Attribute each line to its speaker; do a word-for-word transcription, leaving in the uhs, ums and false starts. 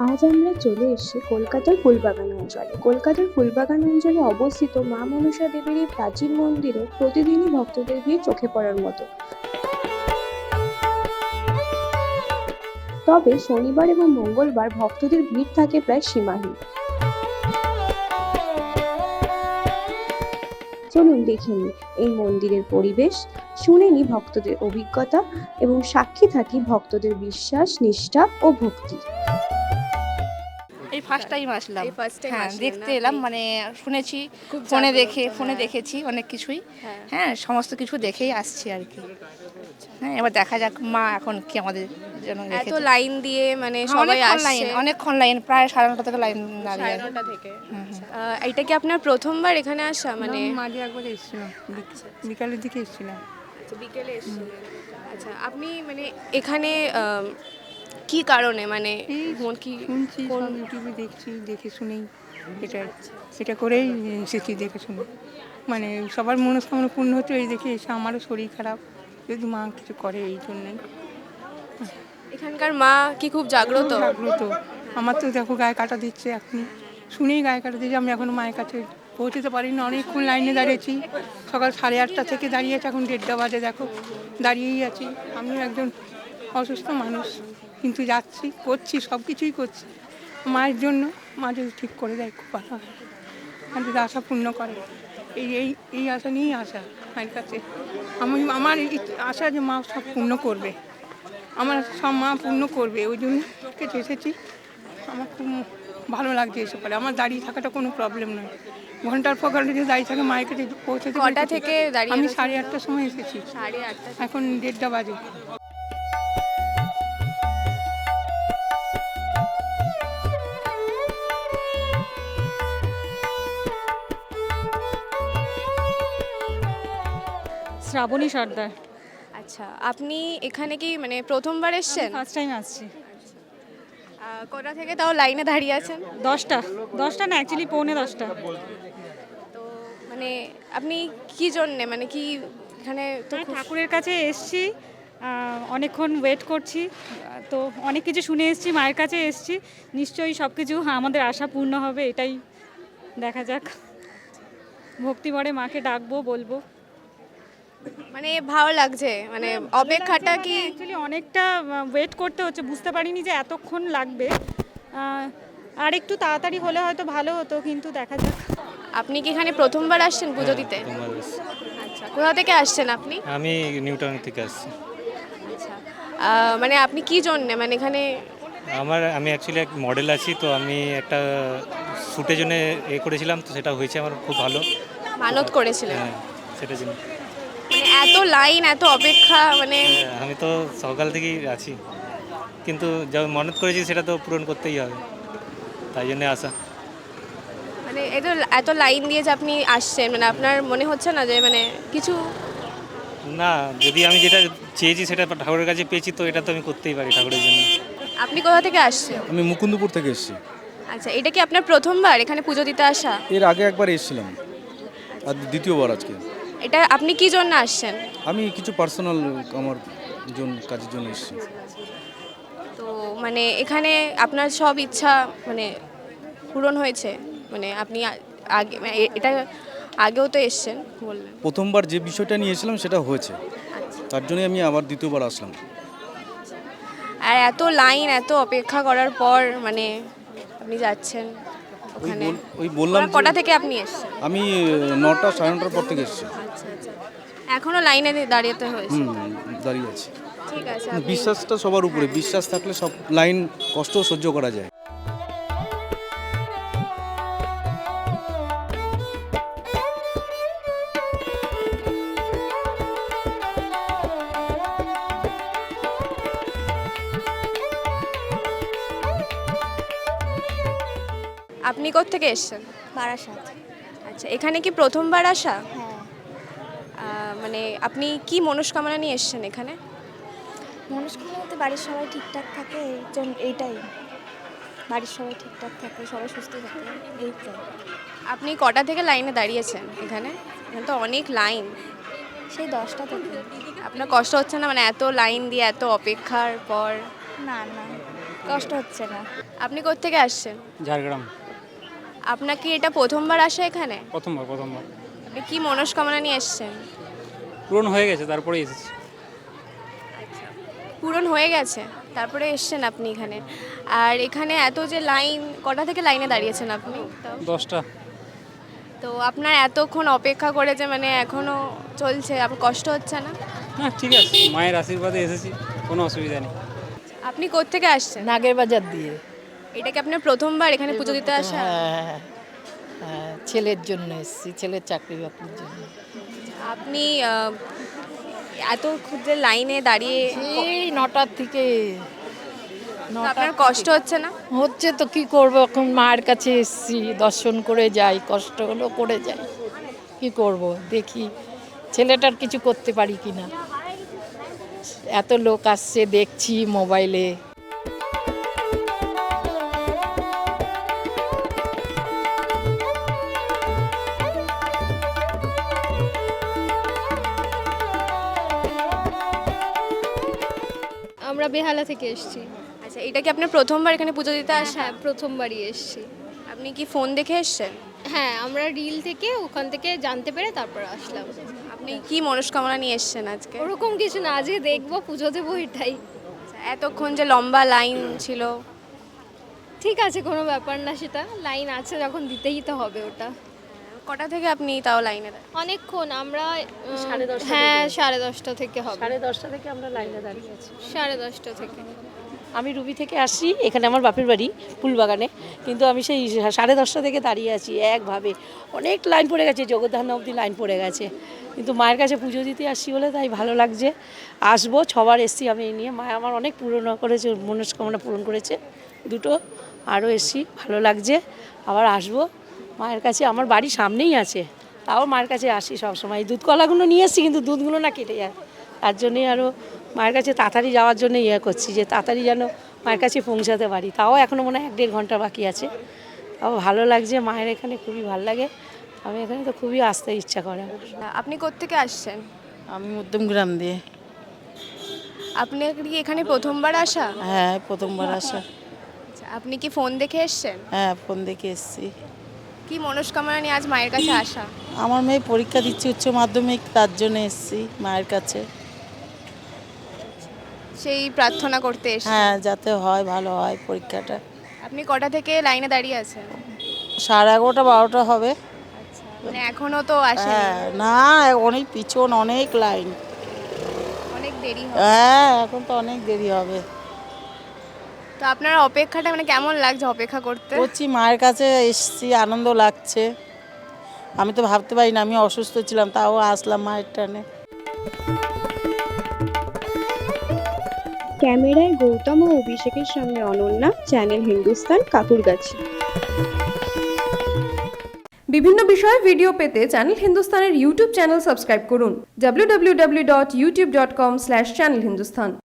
Speaker 1: আজ আমরা চলে এসেছি কলকাতার ফুলবাগান অঞ্চলে। কলকাতার ফুলবাগান অঞ্চলে অবস্থিত মা মনসা দেবীর এই প্রাচীন মন্দিরে প্রতিদিনই ভক্তদের ভিড় চোখে পড়ার মতো। তবে শনিবার এবং মঙ্গলবার ভক্তদের ভিড় থাকে প্রায় সীমাহীন। চলুন দেখে নিই এই মন্দিরের পরিবেশ, শুনে নিই ভক্তদের অভিজ্ঞতা এবং সাক্ষী থাকি ভক্তদের বিশ্বাস, নিষ্ঠা ও ভক্তি।
Speaker 2: এই ফার্স্ট টাইম আসলাম।
Speaker 3: এই ফার্স্ট টাইম
Speaker 2: হ্যাঁ,
Speaker 3: আসলেন
Speaker 2: দেখতে
Speaker 3: আপনি?
Speaker 2: এলাম, মানে শুনেছি
Speaker 3: খুব
Speaker 2: ফোনে
Speaker 3: জাগ্রত,
Speaker 2: দেখে ফোনে
Speaker 3: হ্যাঁ।
Speaker 2: দেখেছি অনেক কিছুই।
Speaker 3: হ্যাঁ।
Speaker 2: হ্যাঁ, সমস্ত কিছু দেখেই আসছি আর কি। হ্যাঁ, এবার দেখা যাক মা এখন কি আমাদের জন্য
Speaker 3: এত
Speaker 2: রেখেছে।
Speaker 3: লাইন দিয়ে মানে
Speaker 2: হ্যাঁ,
Speaker 3: সবাই
Speaker 2: অনেকক্ষণ
Speaker 3: আসছে
Speaker 2: লাইন অনেকক্ষণ লাইন প্রায় সাড়ে নটা থেকে লাইন দাঁড়িয়ে
Speaker 3: সাড়ে
Speaker 2: আছে।
Speaker 3: নটা থেকে। আহ, এটা কি আপনার প্রথমবার এখানে আসা? মানে
Speaker 4: আমি মাঝে একবার এসেছিলাম, বিকালের দিকে এসেছিলাম।
Speaker 3: আচ্ছা, বিকেলে এসেছিলেন। আচ্ছা, আপনি মানে এখানে আম, কি কারণে মানে
Speaker 4: এই
Speaker 3: মন কি
Speaker 4: শুনছি,
Speaker 3: কোন
Speaker 4: সব ইউটিউবে দেখছি, দেখে শুনেই এটা এটা করেই এসেছি, দেখে শুনে। মানে সবার মনস্কামনা পূর্ণ হচ্ছে এই দেখে এসে। আমারও শরীর খারাপ, যদি মা কিছু করে এই জন্যই।
Speaker 3: এখানকার মা কি খুব জাগ্রত?
Speaker 4: খুব জাগ্রত। আমার তো দেখো গায়ে কাটা দিচ্ছে, এখনই শুনেই গায়ে কাটা দিচ্ছে। আমি এখনো মায়ের কাছে পৌঁছতে পারিনি, অনেকক্ষণ লাইনে দাঁড়িয়েছি। সকাল সাড়ে আটটা থেকে দাঁড়িয়ে আছে, এখন দেড়টা বাজে, দেখো দাঁড়িয়েই আছি। আমিও একজন অসুস্থ মানুষ, কিন্তু যাচ্ছি, করছি, সব কিছুই করছি মায়ের জন্য। মা যদি ঠিক করে দেয় খুব ভালো হয়, আর যদি আশা পূর্ণ করে। এই এই এই আশা নিয়েই আসা মায়ের কাছে। আমি আমার এই আশা যে মা সব পূর্ণ করবে, আমার সব মা পূর্ণ করবে, ওই জন্য কাছে এসেছি। আমার খুব ভালো লাগছে এসে পরে। আমার দাঁড়িয়ে থাকাটা কোনো প্রবলেম নয়, ঘন্টার পর ঘন্টা যদি দাঁড়িয়ে থাকে মায়ের কাছে পৌঁছাতে।
Speaker 3: কটা থেকে দাঁড়িয়ে
Speaker 4: আমি
Speaker 3: রয়েছেন?
Speaker 4: সাড়ে আটটার সময় এসেছি,
Speaker 3: সাড়ে আটটা।
Speaker 4: এখন দেড়টা বাজে।
Speaker 5: শ্রাবণী সর্দার।
Speaker 3: আচ্ছা, আপনি এখানে কি মানে প্রথমবার এসেছেন?
Speaker 5: ফার্স্ট টাইম আসছি।
Speaker 3: আহ, কটা থেকে তাও লাইনে দাঁড়িয়ে আছেন?
Speaker 5: দশটা দশটা না, অ্যাকচুয়ালি পৌনে দশটা।
Speaker 3: তো মানে আপনি কি জন্যে মানে কি এখানে তো
Speaker 5: আমি
Speaker 3: খুব-
Speaker 5: ঠাকুরের কাছে এসছি, আহ, অনেকক্ষণ ওয়েট করছি, আহ, তো অনেক কিছু শুনে এসছি, মায়ের কাছে এসছি। নিশ্চয়ই সব কিছু আমাদের আশা পূর্ণ হবে, এটাই দেখা যাক। ভক্তি ভরে মাকে ডাকবো, বলবো।
Speaker 3: মানে ভালো লাগছে মানে অপেক্ষাটা কি
Speaker 5: অ্যাকচুয়ালি অনেকটা ওয়েট করতে হচ্ছে, বুঝতে পারিনি যে এতক্ষণ লাগবে। আহ, আর একটু তাড়াতাড়ি হলে হয়তো ভালো হতো, কিন্তু দেখা যাক।
Speaker 3: আপনি কি এখানে প্রথমবার আসছেন পুজো দিতে?
Speaker 6: প্রথমবার এসেছি।
Speaker 3: আচ্ছা, কোথা থেকে আসছেন আপনি?
Speaker 6: আমি নিউটাউন থেকে আসছি।
Speaker 3: আচ্ছা, আহ, মানে আপনি কি জন্যে মানে এখানে
Speaker 6: আমার আমি অ্যাকচুয়ালি এক মডেল আছি, তো আমি একটা শ্যুটের জন্য এ করেছিলাম, তো সেটা হয়েছে আমার খুব ভালো।
Speaker 3: মানত করেছিলেন?
Speaker 6: হ্যাঁ, সেটার জন্য।
Speaker 3: মানে এত লাইন, এত অপেক্ষা, মানে
Speaker 6: হ্যাঁ, আমি তো সকাল থেকেই আছি, কিন্তু যা মনত করেছি সেটা তো পূরণ করতেই হবে, তাই জন্যে আসা।
Speaker 3: মানে এত এত লাইন দিয়ে যে আপনি আসছেন, মানে আপনার মনে হচ্ছে না যে মানে কিছু
Speaker 6: না, যদি আমি যেটা চেয়েছি সেটা ঠাকুরের কাছে পেয়েছি, তো এটা তো আমি করতেই পারি ঠাকুরের জন্য।
Speaker 3: আপনি কোথা থেকে আসছেন?
Speaker 7: আমি মুকুন্দপুর থেকে এসেছি।
Speaker 3: আচ্ছা, এটা কি আপনার প্রথমবার এখানে পুজো দিতে আসা?
Speaker 7: এর আগে একবার এসেছিলাম, আর দ্বিতীয়বার আজকে।
Speaker 3: এটা আপনি কি জন্য আসছেন?
Speaker 7: আমি কিছু পার্সোনাল আমার জন্য কাজের জন্য এসেছি।
Speaker 3: তো মানে এখানে আপনার সব ইচ্ছা মানে পূরণ হয়েছে? মানে আপনি আ- আগে মানে এ- এটা আগেও তো এসছেন বললেন।
Speaker 7: প্রথমবার যে বিষয়টা নিয়ে এসেছিলাম সেটা হয়েছে,
Speaker 3: আচ্ছা,
Speaker 7: তার জন্যই আমি আবার দ্বিতীয়বার আসলাম।
Speaker 3: আর এত লাইন, এত অপেক্ষা করার পর মানে আপনি যাচ্ছেন
Speaker 7: ওই
Speaker 3: ওখানে।
Speaker 7: বল- ওই বললাম যে
Speaker 3: কটা থেকে আপনি এসছেন?
Speaker 7: আমি নটা সাড়ে নটার পর থেকে এসেছি।
Speaker 3: আচ্ছা আচ্ছা, এখনো লাইনে দাঁড়িয়েতে হয়েছে?
Speaker 7: হুম, দাঁড়িয়ে আছি।
Speaker 3: ঠিক আছে, আপনি-
Speaker 7: বিশ্বাসটা সবার উপরে, বিশ্বাস থাকলে সব লাইন কষ্ট সহ্য করা যায়।
Speaker 3: আপনি কোত্থেকে এসছেন?
Speaker 8: বারাসাত।
Speaker 3: আচ্ছা, এখানে কি প্রথমবার আসা?
Speaker 8: হ্যাঁ,
Speaker 3: আহ, মানে আপনি কি মনস্কামনা নিয়ে এসছেন এখানে?
Speaker 8: মনস্কামনা বলতে বাড়ির সবাই ঠিকঠাক থাকে, এই জন্য এইটাই। বাড়ির সবাই ঠিকঠাক থাকে, সবাই সুস্থ থাকে, এইটাই।
Speaker 3: আপনি কটা থেকে লাইনে দাঁড়িয়েছেন এখানে? এখানে তো অনেক লাইন।
Speaker 8: সেই দশটা থেকে।
Speaker 3: আপনার কষ্ট হচ্ছে না মানে এত লাইন দিয়ে এত অপেক্ষার পর?
Speaker 8: না না, কষ্ট হচ্ছে না।
Speaker 3: আপনি কোত্থেকে আসছেন?
Speaker 9: ঝাড়গ্রাম।
Speaker 3: আপনার কি এটা প্রথমবার আসা এখানে?
Speaker 9: প্রথমবার প্রথমবার
Speaker 3: আপনি কি মনস্কামনা নিয়ে এসছেন?
Speaker 9: পূরণ হয়ে গেছে তারপরে এসেছি।
Speaker 3: পূরণ হয়ে গেছে তারপরে এসছেন আপনি এখানে। আর এখানে এত যে লাইন, কটা থেকে লাইনে দাঁড়িয়েছেন আপনি? তাও?
Speaker 9: দশটা।
Speaker 3: তো আপনার এতক্ষণ অপেক্ষা করে যে মানে এখনো চলছে, আপনার কষ্ট হচ্ছে না?
Speaker 9: হ্যাঁ ঠিক আছে, মায়ের আশীর্বাদে এসেছি, কোনো অসুবিধা নেই।
Speaker 3: আপনি কোত্থেকে আসছেন?
Speaker 10: নাগের বাজার দিয়ে।
Speaker 3: এটা কি আপনার প্রথমবার এখানে পুজো দিতে আসা?
Speaker 10: হ্যাঁ হ্যাঁ, ছেলের জন্য এসেছি, ছেলের চাকরি বাকরির জন্য।
Speaker 3: আপনি আহ, এত ক্ষুদ্র লাইনে দাঁড়িয়ে
Speaker 10: এই নটার থেকে
Speaker 3: তো আপনার কষ্ট হচ্ছে না?
Speaker 10: হচ্ছে তো, কি করব, এখন মায়ের কাছে এসেছি, দর্শন করে যাই, কষ্ট হলো করে যাই, কি করব, দেখি ছেলেটার কিছু করতে পারি কি না। এত লোক আসছে দেখছি মোবাইলে।
Speaker 11: আমরা বেহালা থেকে এসেছি।
Speaker 3: আচ্ছা, এটা কি আপনার প্রথমবার এখানে পুজো দিতে আসা?
Speaker 11: হ্যাঁ, প্রথমবারই এসেছি।
Speaker 3: আপনি কি ফোন দেখে এসছেন?
Speaker 11: হ্যাঁ, আমরা রিল থেকে ওখান থেকে জানতে পেরে তারপর আসলাম।
Speaker 3: আপনি কি মনস্কামনা নিয়ে এসছেন আজকে?
Speaker 11: ওরকম কিছু না, আজকে দেখবো, পুজো দেবো, এটাই।
Speaker 3: আচ্ছা, এতক্ষণ যে লম্বা লাইন ছিল।
Speaker 11: ঠিক আছে, কোনো ব্যাপার না, সেটা লাইন আছে যখন দিতেই তো হবে ওটা।
Speaker 3: কটা থেকে আপনি তাও লাইনে দাঁড়ান?
Speaker 11: অনেকক্ষণ আমরা উম,
Speaker 10: সাড়ে দশটা
Speaker 11: হ্যাঁ
Speaker 10: থেকে।
Speaker 11: সাড়ে দশটা থেকে হবে।
Speaker 10: সাড়ে দশটা থেকে আমরা লাইনে দাঁড়িয়ে আছি।
Speaker 11: সাড়ে দশটা থেকে।
Speaker 12: আমি রুবি থেকে আসছি, এখানে আমার বাপের বাড়ি ফুলবাগানে, কিন্তু আমি সেই সাড়ে দশটা থেকে দাঁড়িয়ে আছি একভাবে। অনেক লাইন পড়ে গেছে, জগদ্ধান অবধি লাইন পড়ে গেছে, কিন্তু মায়ের কাছে পুজো দিতে আসছি বলে তাই ভালো লাগছে। আসবো, ছবার এসছি আমি এই নিয়ে, মা আমার অনেক পূরণ করেছে, মনস্কামনা পূরণ করেছে দুটো, আরও এসছি, ভালো লাগছে। আবার আসবো মায়ের কাছে, আমার বাড়ি সামনেই আছে, তাও মায়ের কাছে আসি সবসময়। দুধ কলাগুলো নিয়ে এসছি, কিন্তু দুধগুলো না কেটে যায়, তার জন্যই আরও মায়ের কাছে তাড়াতাড়ি যাওয়ার জন্য ইয়ে করছি, যে তাড়াতাড়ি যেন মায়ের কাছে পৌঁছাতে পারি। তাও এখনও মনে হয় এক দেড় ঘন্টা বাকি আছে, তাও ভালো লাগছে, মায়ের এখানে খুবই ভালো লাগে। আমি এখানে তো খুবই আসতে ইচ্ছা করে আমার।
Speaker 3: আপনি কোত্থেকে আসছেন?
Speaker 10: আমি মধ্যমগ্রাম দিয়ে।
Speaker 3: আপনি কি এখানে প্রথমবার আসা?
Speaker 10: হ্যাঁ, প্রথমবার আসা।
Speaker 3: আচ্ছা, আপনি কি ফোন দেখে এসছেন?
Speaker 10: হ্যাঁ, ফোন দেখে এসেছি।
Speaker 3: কি মনস্কামনা নিয়ে আজ মায়ের কাছে আসা?
Speaker 10: আমার মেয়ে পরীক্ষা দিচ্ছে উচ্চ মাধ্যমিক, তার জন্য এসেছি মায়ের কাছে।
Speaker 3: সেই প্রার্থনা করতে এসে।
Speaker 10: হ্যাঁ, যাতে হয়, ভালো হয় পরীক্ষাটা।
Speaker 3: আপনি কটা থেকে লাইনে দাঁড়িয়ে আছেন?
Speaker 10: সাড়ে এগারোটা বারোটা হবে।
Speaker 3: মানে এখনো তো আসে,
Speaker 10: হ্যাঁ, না অনেক পিছন, অনেক লাইন,
Speaker 3: অনেক দেরি হবে।
Speaker 10: হ্যাঁ এখন তো অনেক দেরি হবে।
Speaker 3: তো আপনার অপেক্ষাটা মানে কেমন লাগছে অপেক্ষা করতে?
Speaker 10: করছি, মায়ের কাছে এসেছি, আনন্দ লাগছে। আমি তো ভাবতে পারি না, আমি অসুস্থ ছিলাম, তাও আসলাম মায়ের টানে।
Speaker 1: ক্যামেরায় গৌতম ও অভিষেকের সঙ্গে অনন্যা, চ্যানেল হিন্দুস্তান, কাকুরগাছি।
Speaker 13: বিভিন্ন বিষয়ে ভিডিও পেতে চ্যানেল হিন্দুস্তানের ইউটিউব চ্যানেল সাবস্ক্রাইব করুন W W W dot YouTube dot com slash channel Hindustan.